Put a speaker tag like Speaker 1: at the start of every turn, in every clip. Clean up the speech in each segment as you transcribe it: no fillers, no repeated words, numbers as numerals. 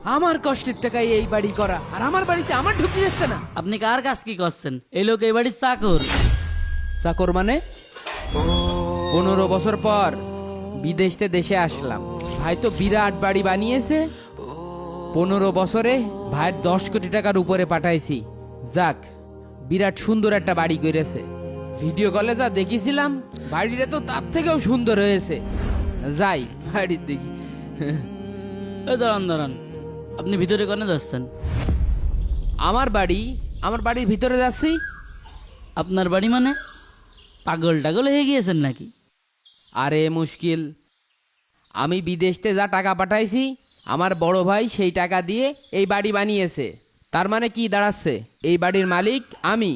Speaker 1: আমার কষ্টের টাকায় এই বাড়ি করা, আর আমার বাড়িতে আমার ঢুকতে যাচ্ছে না।
Speaker 2: আপনি কার কাজ কি করছেন? এই লোক এই বাড়ির চাকর।
Speaker 1: চাকর মানে? 15 বছর পর বিদেশতে দেশে আসলাম। ভাই তো বিরাট বাড়ি বানিয়েছে। 15 বছরে ভাইয়ের 10 কোটি টাকার উপরে পাঠাইছি। যাক, বিরাট সুন্দর একটা বাড়ি করেছে। ভিডিও কলে যা দেখেছিলাম, বাড়িটা তো তার থেকেও সুন্দর হয়েছে। যাই বাড়ির দেখি।
Speaker 2: এই দাঁড়ান দাঁড়ান, আপনি ভিতরে কেন যাচ্ছেন?
Speaker 1: আমার বাড়ির ভিতরে যাচ্ছি।
Speaker 2: আপনার বাড়ি মানে? পাগল টাগল হয়ে গিয়েছেন নাকি?
Speaker 1: আরে মুশকিল, আমি বিদেশতে যা টাকা পাঠাইছি, আমার বড় ভাই সেই টাকা দিয়ে এই বাড়ি বানিয়েছে। তার মানে কি দাঁড়াচ্ছে, এই বাড়ির মালিক আমি।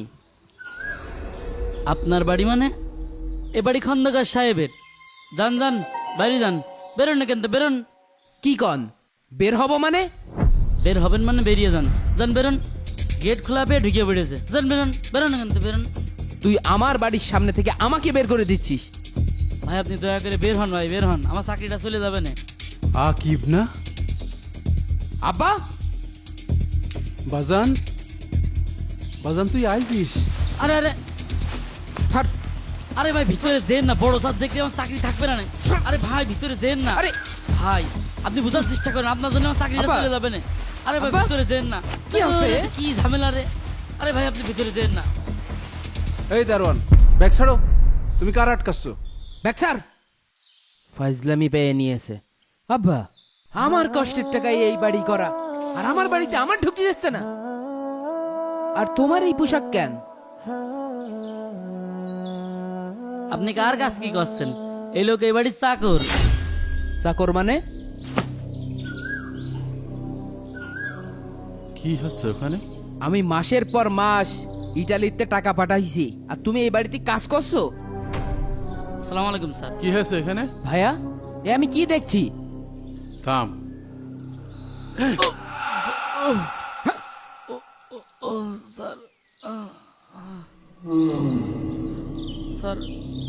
Speaker 2: আপনার বাড়ি মানে? এ বাড়ি খন্দকার সাহেবের। যান যান, বাইরে যান। বেরোন না কেন, বেরোন।
Speaker 1: কি কন? বের হব মানে?
Speaker 2: বের হবেন মানে বেরিয়ে যান। যান বেরোন, গেট খোলা পেয়ে ঢুকে পড়েছে। যান বেরোন, বেরোন না কেন, বেরোন।
Speaker 1: তুই আমার বাড়ির সামনে থেকে আমাকে বের করে দিচ্ছিস?
Speaker 2: ভাই আপনি দয়া করে বের হন, ভাই বের হন, আমার চাকরিটা চলে যাবে না।
Speaker 3: আকিব না?
Speaker 1: আব্বা,
Speaker 3: বাজান, বাজান তুই আইছিস?
Speaker 2: আরে আরে
Speaker 1: থাক।
Speaker 2: আরে ভাই ভিতরে যেন না, বড় স্যার দেখলে আমার চাকরি থাকবে না। আরে ভাই ভিতরে যেন না।
Speaker 1: আরে
Speaker 2: ভাই আপনি বোঝার চেষ্টা করেন, আপনার জন্য আমার চাকরিটা
Speaker 1: আব্বা।
Speaker 2: চলে যাবে না। আরে ভাই
Speaker 1: আব্বা।
Speaker 2: ভিতরে যেন না।
Speaker 1: কি হচ্ছে?
Speaker 2: কি ঝামেলা রে? আরে ভাই আপনি ভিতরে যেন না।
Speaker 3: এই দারোয়ান, ব্যাগ ছাড়ো। তুমি কার আটকাচ্ছ?
Speaker 1: ব্যাকসার ফাজলামি পেয়ে নিয়েছে। আব্বা, আমার কষ্টের টাকায় এই বাড়ি করা, আর আমার বাড়িতে আমার ঢুকতে যাচ্ছে না। আর তোমার এই পোশাক কেন?
Speaker 2: আপনি কার কাজ কি করছেন? এই লোক এই বাড়ির চাকর।
Speaker 1: চাকর মানে?
Speaker 3: কি হচ্ছে ওখানে?
Speaker 1: আমি মাসের পর মাস ইটালিতে টাকা পাঠাইছি, আর তুমি এই বাড়িতে কাজ করছো?
Speaker 2: আসসালামু আলাইকুম স্যার।
Speaker 3: কি হয়েছে এখানে?
Speaker 1: ভাইয়া, এ আমি কি দেখছি?
Speaker 3: থাম।
Speaker 2: ও স্যার, স্যার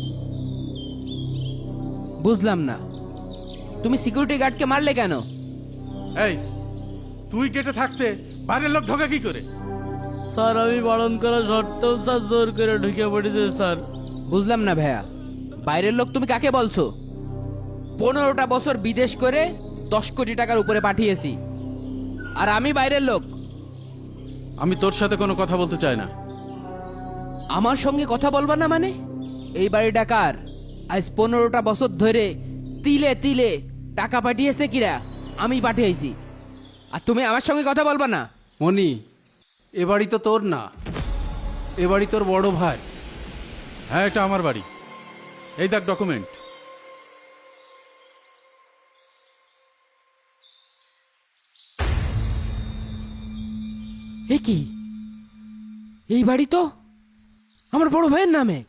Speaker 1: বুঝলাম না, তুমি সিকিউরিটি গার্ডকে মারলে কেন?
Speaker 3: এই, তুই গেটে থাকতে বাইরের লোক ঢোকে কি করে?
Speaker 2: স্যার আমি বারণ করা সত্ত্বেও স্যার জোর করে ঢুকে পড়েছে স্যার।
Speaker 1: বুঝলাম না ভাইয়া, বাইরের লোক তুমি কাকে বলছো? 15টা বছর বিদেশ করে 10 কোটি টাকার উপরে পাঠিয়েছি, আর আমি বাইরের লোক?
Speaker 3: আমি তোর সাথে কোনো কথা বলতে চাই না।
Speaker 1: আমার সঙ্গে কথা বলবা না মানে? এই বাড়িটা কার? আজ 15টা বছর ধরে তিলে তিলে টাকা পাঠিয়েছে কিরা? আমি পাঠিয়েছি, আর তুমি আমার সঙ্গে কথা বলবা না?
Speaker 3: মনি, এ বাড়ি তো তোর না, এ বাড়ি তোর বড় ভাই। হ্যাঁ, এটা আমার বাড়ি। এই দেখ ডকুমেন্ট।
Speaker 1: এ কি? এই বাড়ি তো আমার বড় ভাইয়ের নামে।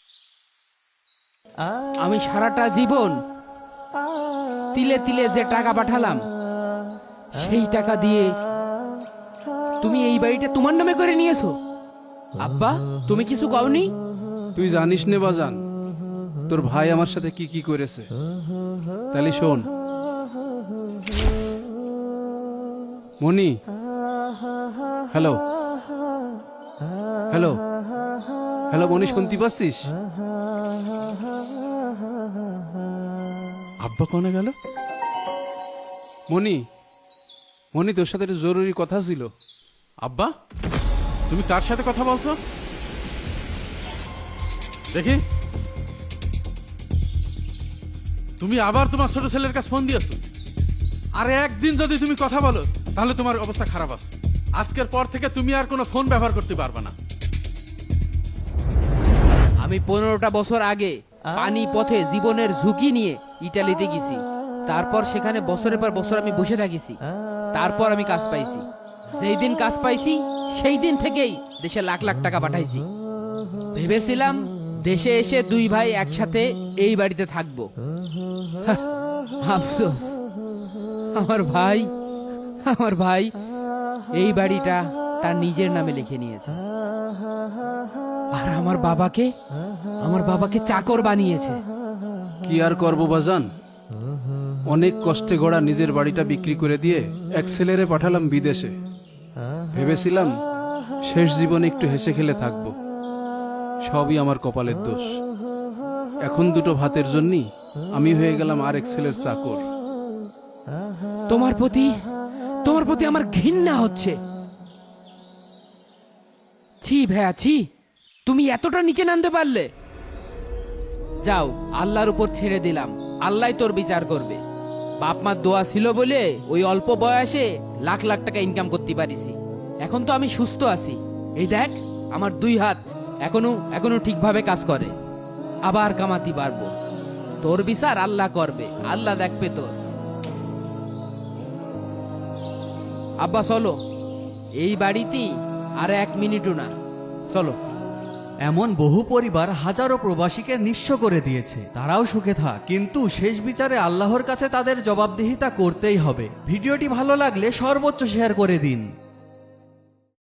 Speaker 1: আমি সারাটা জীবন তিলে তিলে যে টাকা পাঠালাম, সেই টাকা দিয়ে তুমি এই বাড়িটা তোমার নামে করে নিয়েছো। আব্বা, তুমি কিছু কওনি?
Speaker 3: তুই জানিস নে বাজান, তোর ভাই আমার সাথে কি কি করেছে। তাহলে শোন Moni. Hello hello hello Moni, শুনতে পাচ্ছিস? আব্বা কোনে গেল? মনি, মনি তোর সাথে একটা জরুরি কথা ছিল। আব্বা, তুমি কার সাথে কথা বলছো দেখি? তুমি আবার তোমার ছোট ছেলের কাছে ফোন দিয়েছো? আরে একদিন যদি তুমি কথা বলো তাহলে তোমার অবস্থা খারাপ আছে। আজকের পর থেকে তুমি আর কোনো ফোন ব্যবহার করতে পারবে না।
Speaker 1: আমি 15টা বছর আগে পানি পথে জীবনের ঝুঁকি নিয়ে ইটালিতে গেছি। তারপর সেখানে বছরের পর বছর আমি বসে থাকিছি। তারপর আমি কাজ পাইছি। যেই দিন কাজ পাইছি সেই দিন থেকেই দেশে লাখ লাখ টাকা পাঠাইছি। ভেবেছিলাম দেশে এসে দুই ভাই একসাথে এই বাড়িতে থাকবো। আফসোস, আমার ভাই এই বাড়িটা তার নিজের নামে লিখে নিয়েছে, আর আমার বাবাকে চাকর বানিয়েছে।
Speaker 3: কি আর করবো বাজান,
Speaker 4: অনেক কষ্টে গড়া নিজের বাড়িটা বিক্রি করে দিয়ে এক ছেলেরে পাঠালাম বিদেশে। ভেবেছিলাম শেষ জীবনে একটু হেসে খেলে থাকবো। সবই আমার কপালের দোষ। এখন দুটো ভাতের জন্যই আমি হয়ে গেলাম আর এক ছেলের চাকর।
Speaker 1: তোমার প্রতি আমার ঘৃণা হচ্ছে। ছি ভাইয়া ছি, তুমি এতটা নিচে নামতে পারলে? যাও, আল্লাহর উপর ছেড়ে দিলাম, আল্লাহ তোর বিচার করবে। বাপ মার দোয়া ছিল বলে ওই অল্প বয়সে লাখ লাখ টাকা ইনকাম করতে পারিছি। এখন তো আমি সুস্থ আছি, এই দেখ আমার 2 হাত এখনো ঠিকভাবে কাজ করে। আবার কামাতে পারবো। তোর বিচার আল্লাহ করবে, আল্লাহ দেখবে তোর। আব্বা চলো, এই বাড়িতেই আর 1 মিনিটও না, চলো।
Speaker 5: এমন বহু পরিবার হাজারো প্রবাসীকে নিঃস্ব করে দিয়েছে। তারাও সুখে থাক, কিন্তু শেষ বিচারে আল্লাহর কাছে তাদের জবাবদিহিতা করতেই হবে। ভিডিওটি ভালো লাগলে সর্বোচ্চ শেয়ার করে দিন।